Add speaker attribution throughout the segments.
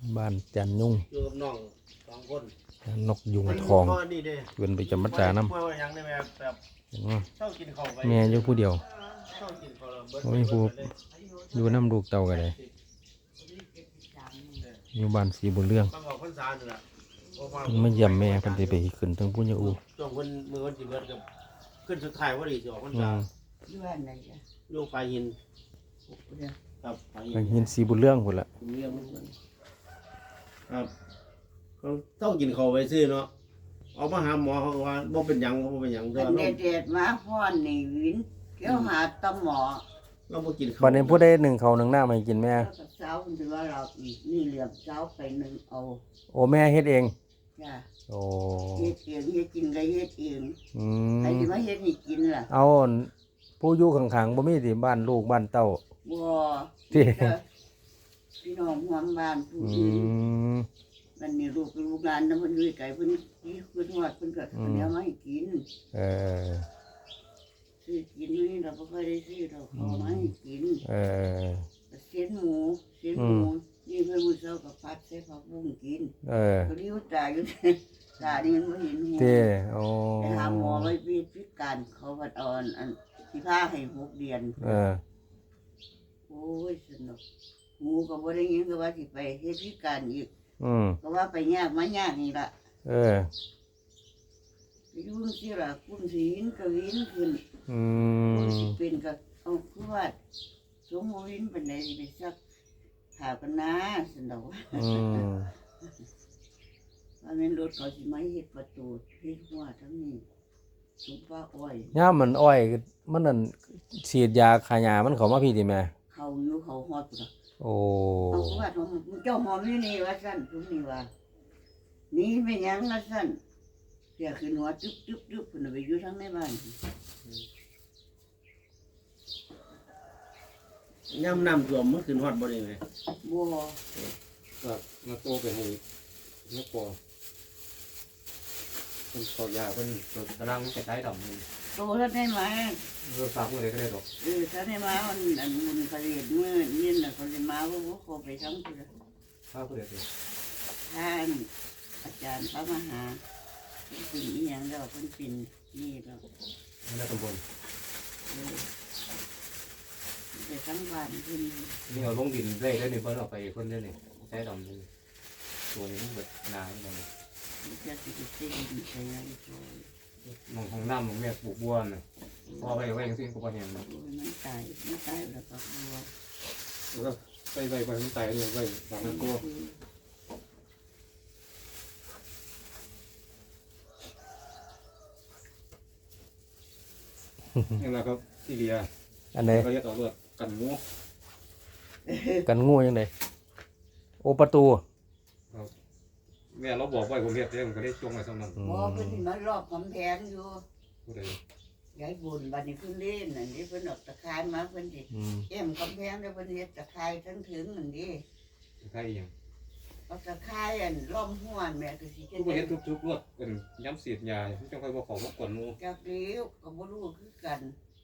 Speaker 1: บ้านจันยุ่ง
Speaker 2: อยู่กับน้อง2 คน
Speaker 1: นกยุงทองเกินไปจำมัดจาน้ำแม่อยู่ผู้เดียวไม่มีผู้อยู่น้ำลูกเต่ากันเลยอยู่บ้านสีบุญเรื่องไม่เยี่ยมแม่เพิ่นสิไปขึ้นทั้งปุญญาอู
Speaker 2: ช่วงคนมือวันสิเบิดกับขึ้นสุดท้ายว่าดีสิออกพรรษา
Speaker 3: อยู่บ้านไหนจ้ะ
Speaker 2: โยกปลายหินครับปลาย
Speaker 1: หินสีบุญเรื่องพุ่นละ
Speaker 2: เรื่องครับเขาต้องกินข้าวไปซื้อเนาะเอามาหาหมอเขาว่าบ่เป็นหยังบ่เป็นหยัง
Speaker 3: เด็ดมาฮ้อนนี่วินเกี่ยวหาตำหมอ
Speaker 2: เราบ่กินข้าว
Speaker 1: วันนี้ผู้ใดหนึ่งเขาหนึ่งหน้ามากินแม่
Speaker 3: เช้าคุณถือว่าเราอีกนี่เหลือเช้าไปหนึ่งเอา
Speaker 1: โอ้แม่เฮ็ดเอง
Speaker 3: จ้ะ
Speaker 1: โอ้
Speaker 3: เฮ็ดเองเฮ็ดกินก็เฮ็ดเองใครสิมาเฮ็ดให้กินล่ะ
Speaker 1: เอาผู้อยู่ข้างๆบ่มีสิบ้านลูกบ้านเต้า
Speaker 3: บ่ที่พี่น้องร่วมบ้านผู้อื่นมันนี่ลูกหลานนำเพิ่นอยู่ไกลเพิ่นฮอดเพิ่นก็เดี๋ยวมาให้กินซื้อกินนี่เราบ่ค่อยได้ซื้อเราเขามาให้กินเส้นหมูนี่เพิ่นมื้อเช้าก็ผัดใส่ผักบุ้งกินก็ลิ้วตาอยู่ตานี่มันบ่เห็นหู
Speaker 1: โอ้
Speaker 3: ไปหาหมอไว้พิการเขาว่าเอาอันสิพาให้6 เดือนโอ้ยสนุกหูก็บ่ได้ยินก็ว่าสิไปเฮ็ดพิการอีกก็ว่าไปยากมายากนี่ล่ะไปอยู่สิล่ะคุณสิหินก็หินขึ้นสิเป็นก็เอาคือว่าสมมุติหินปานใดสิไปซักผ้ากันนะสนุกว่าแม่นรถเขาสิมาเฮ็ดประตูเฮ็ดหัวทั้งนี้สุป้าอ้อย
Speaker 1: ย่ามมันอ้อยมันนั่นฉีดยาฆ่าหญ้ามันเข้ามาพี่ติแม่
Speaker 3: เขาอยู่เขาฮอดพุ่น
Speaker 1: โอ้
Speaker 3: เอาว่าเจ้าหอมอยู่นี่ว่าซั่นทุกนี่ว่านี่เป็นหยังว่าซั่นเสียขึ้นหัวจุ๊บพุ่นไปอยู่ทางในบ้าน
Speaker 2: ย่ำน้ำท่วมมันขึ้นฮอดบ่ได้ไหม
Speaker 3: บ่
Speaker 2: ครับมาโตไปให้นักปอเป็นขอยาเป็นกำลังจะได้ดำนี่
Speaker 3: โตท่านได้มา
Speaker 2: ฝากมือเลยก็ได้หรอก
Speaker 3: ท่านได้มาอันมุนเขาเรียนมื้อนี่น่ะเขาสิมาบ่เขาไปทั้งพุ่น
Speaker 2: พาผู้ใดไป
Speaker 3: ท่านอาจารย์พระมหาเป็นอีหยังแล้วเพิ่นเป็นนี่แล้ว
Speaker 2: ในตำบล
Speaker 3: ไปทั้งบ้านเพิ่น
Speaker 2: นี่เอาลงดินได้นี่เพิ่นเอาไปเพิ่นได้นี่ใช้ดำนี่ตัวนี้มันเบิดนานี่มัน
Speaker 3: จะสิไปซื้อดินใช้งานช่วย
Speaker 2: มองของน้ำของแม่ปลูกบัวน่ะพอไปไว้จังซี่ก็บ่เห็น
Speaker 3: มันตายแล้วก็บัว
Speaker 2: แล้วก็ไปมันตายเนี่ยไว้หลังนั้นก็นี่แหละครับที่เรีย
Speaker 1: อันไหน
Speaker 2: ก็เรียกเอาเลือดกันงู
Speaker 1: ยังไงโอประตู
Speaker 2: แม่เราบอกไว้ผมเรียกเรื่องก็ได้จงไว้สำนัก
Speaker 3: บ่เพิ่นมารอบกำแพงอยู่
Speaker 2: ผู้ใด
Speaker 3: ยายบุญบัดนี้เพิ่นเล่นนั่นนี่เพิ่นออกตะไคร้มาเพิ่นสิแอมกำแพงแล้วเพิ่นเฮ็ดตะไคร้ทั้งถึงนั่นดิ
Speaker 2: ตะไคร้อีหยัง
Speaker 3: เอาตะไคร้อันล้อมห้วนแม่ก็สิ
Speaker 2: เฮ็ดเฮ็ดทุกๆรวดเป็นย้ำสีดยาจังค่อยบ่เข้ามากวนหมู่
Speaker 3: จักเดียวก็บ่รู้คือกัน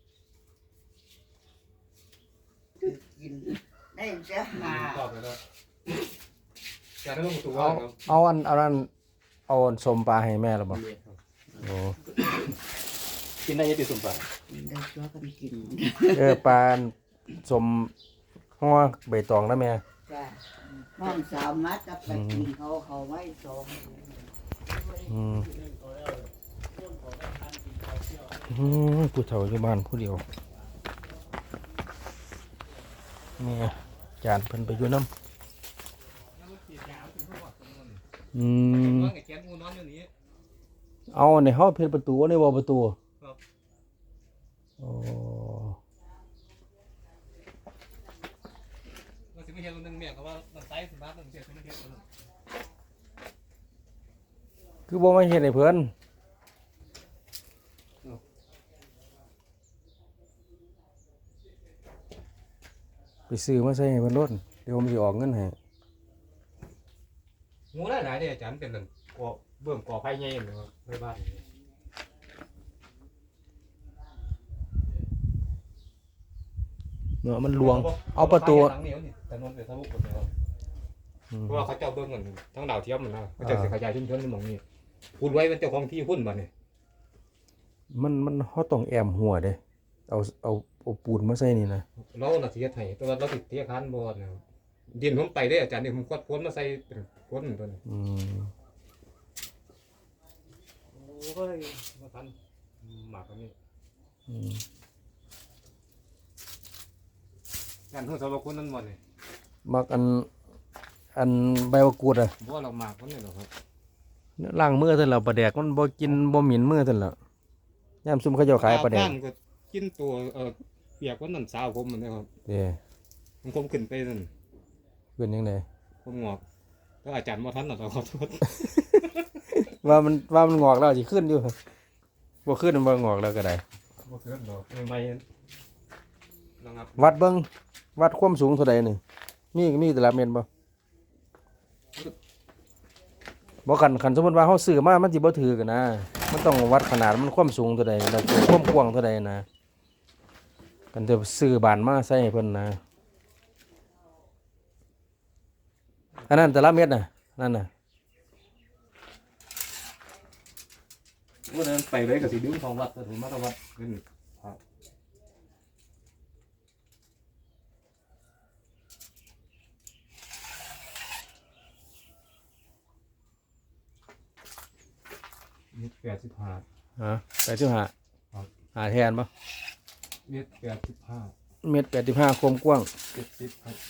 Speaker 3: กินได้จะหา
Speaker 2: ตอบแล้วจะได้ลงตัว
Speaker 1: เอาอันเอาสมปลาให้แม่หรือเปล่าโอ้
Speaker 2: กินได้ยังติดสมปลา
Speaker 3: ได้ชัวกันกิน
Speaker 1: ปลาสมห่อใบตองนะแม่
Speaker 3: จ้ะห้องสาวมัดกับไปกินเขาไว้สม
Speaker 1: ผู้เฒ่าอยู่บ้านผู้เดียวแม่จานเพิ่นไปอยู่น้ำเอาในห้องเพชรประตูในวอลประตูโอ้คือบ่มาเห็นในเพื่อนไปซื้อมาใส่ให้เพิ่นรถเดี๋ยวผมสิออกเงินให้
Speaker 2: งูได้หลายเด้อาจารย์เป็นก่อเบิ่มก่อไฟใหญ่เลยครับในบ้าน
Speaker 1: เนาะมันลวงเอาประตู
Speaker 2: ถนนไปทะลุหมดเลยครับ
Speaker 4: เพราะว่าเขาเจ้าเบิ่งกันทั้งดาวเทียมมันนะเขาจะขยายชุมชนในหม่องนี้พูดไว้เป็นเจ้าของที่หุ้นบ่นี่
Speaker 1: มันเฮาต้องแอมหัวเด้เอาปูนมาใส่นี่นะ
Speaker 4: เราน่ะสิเฮ็ดให้แต่ว่าเราสิเที่ยคานบ่นะดินผมไปได้อาจารย์นี่ผมกดพ้นมาใส่เป็นพ้นตัวนี้โอ้ยมาทันหมากอันนี้การเฮาสาวคนนั้นบ่นี่
Speaker 1: มักอันใบมะกรูดอ่ะ
Speaker 4: บ่เราหมากคนนี้หรอกครับ
Speaker 1: ล้างมือเท่านั้นแหละปลาแดกมันบ่กินบ่หมิ่นมือเท่านั้นแหละยามซุ่มเขาเจ้าขายปลาแดก
Speaker 4: ก็กินตัวเปียกวันนั้นสาวผมมันนะครับ
Speaker 1: เด้
Speaker 4: ผมขึ้นไปนั่น
Speaker 1: เป็นจังได
Speaker 4: ผมงอกแล้วอาจารย์บ่ทันน่ะขอโทษ
Speaker 1: ว่ามันงอกแล้วสิขึ้นอยู่บ่ขึ้นมันบ่งอกแล้วก็ได้
Speaker 4: บ่ขึ้นดอกใหม่ๆนะครับ
Speaker 1: วัดเบิ่งวัดความสูงเท่าใดนี่มีแต่ละเมตรบ่คันสมมุติว่าเฮาซื้อมามันสิบ่ถือกันนะมันต้องวัดขนาดมันความสูงเท่าใดแล้วความกว้างเท่าใดนะกันจะซื้อบานมาใส่ให้เพิ่นนะอันนั้นแต่ละเม็ดน่ะนั่นน่ะ
Speaker 4: วันนั้นไปเลยกับสีดึงของวัดถึงมาตวัดขึ้นครับเม็ด85
Speaker 1: ฮะ85หาแทนบ่
Speaker 4: เม็ด85
Speaker 1: เม็ด85ความกว้าง
Speaker 4: 70ครับ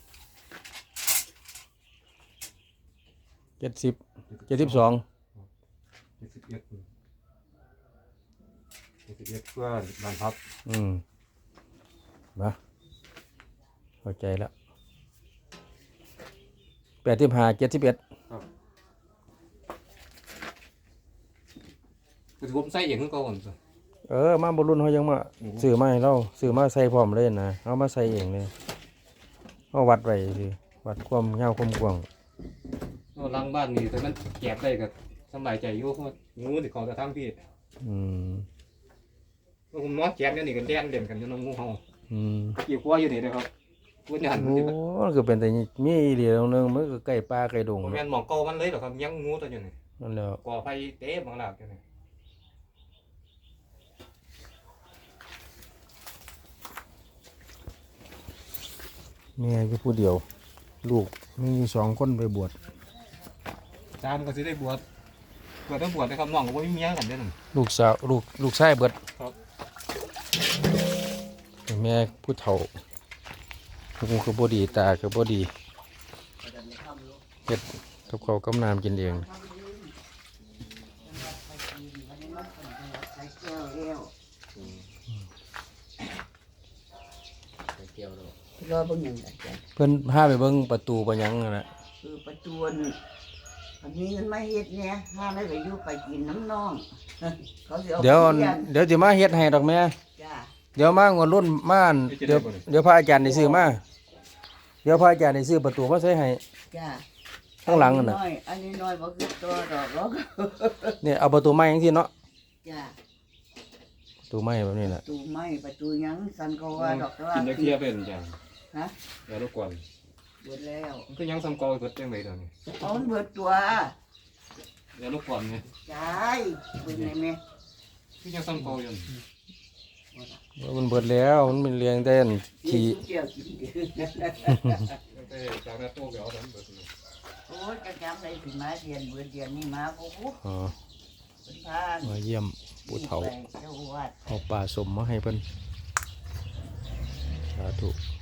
Speaker 1: 70 72
Speaker 4: 71เพื่อนบ้านพับ
Speaker 1: มาเข้าใจแล้ว85 71
Speaker 4: คือผมใส่เองคือเก่าก่อนสิ
Speaker 1: มาบ่รุ่นเฮายังมาซื้อมาให้เราซื้อมาใส่พร้อมเลยนะเอามาใส่เองเลยเฮาวัดไว้สิวัดความยาวความกว้าง
Speaker 4: หลังบ้านนี่แต่มันแก็บได้ก็สบายใจอยู่เพราะงูที่เขาจะทำพี่ผมนอนแก็บอยู่นี่ก็เล่นกันอยู่น้องงูเห่ากี่กว่าอยู่นี่นะครับพูดอย่าง
Speaker 1: โอ้มันก็เป็นแต่มีอีหลีตรงนึงมันก็ใกล้ป่าใกล้ดง
Speaker 4: ผมแม่นหมองเก่ามันเลยหรอครับยังงูตัวอยู่นี่
Speaker 1: นั่นแหละ
Speaker 4: ก่อไฟเต๊ะบางหลักอยู่นี่
Speaker 1: แม่อยู่ผู้เดียว ลูกมีอยู่2คนไปบวช
Speaker 4: จามก็สิได้บวชต้องบวชนะครับน้องก็บ่มีเมียกันเด้อนั่น
Speaker 1: ลูกสาวลูกชายเบิด
Speaker 4: ครับ
Speaker 1: แม่ผู้เฒ่าหูก็บ่ดีตาก็บ่ดีเฮ็ดกับข้าวกับน้ำกินเอง
Speaker 3: รอเบิ่งหยังอาจารย์
Speaker 1: เพิ่นพาไปเบิ่งประตูบ่หยังนั่นน่ะ
Speaker 3: คือประจวนอันนี้เงินมาเฮ็ดเนี่ยห้าได้ไปอยู่ไปกินน้ำน้องเขาสิเอา
Speaker 1: เดี๋ยว
Speaker 3: ไปรีน
Speaker 1: เดี๋ยวสิมาเฮ็ดให้ดอกแม่
Speaker 3: จ้า
Speaker 1: เดี๋ยวมางวดรุ่นมาอั่นเดี๋ยวพระอาจารย์ได้ซื้อมาเดี๋ยวพระอาจารย์ได้ซื้อประตูมาใส่ให้
Speaker 3: จ้า
Speaker 1: ข้างหลังนั่นน่ะ
Speaker 3: อันนี้น้อยบ่คือตัวดอกหรอก
Speaker 1: เนี่ยเอาประตูไม้จังซี่เนาะ
Speaker 3: จ้า
Speaker 1: ประตูไม้แบบนี้แหละ
Speaker 3: ประตูไม้ประตูหยังสันก็ว่าดอกแต่ว่า
Speaker 4: กินได้เคียเป็นจัง
Speaker 3: ฮะ
Speaker 4: อย่ารบกวน
Speaker 3: เบิดแล้ว
Speaker 4: มันก็ยังซ้ำเก่าเบิดจังได๋ตอนนี้
Speaker 3: เอามันเบิดตัว
Speaker 4: อย่ารบกวนไง
Speaker 3: ใช่เบิดไหนแม่
Speaker 4: คือยังซ้ำเก่าอยู่
Speaker 1: มันเบิดแล้วมันเป็นเลี้ยงแต่อันขี้
Speaker 3: เจียวกินเด้อ
Speaker 4: ไปจากนั้นโตไปเอาดันเบิดเลย
Speaker 3: โอ้ยกระจำเลยสิมาเรียนเบิดเรียนนี่มาโอ้โห
Speaker 1: อ๋อ
Speaker 3: เป็นพาน
Speaker 1: มาเยี่ยมปู่เฒ่า
Speaker 3: ไปเจ้าวัด
Speaker 1: เอาปลาสมมาให้เพิ่นสาธุ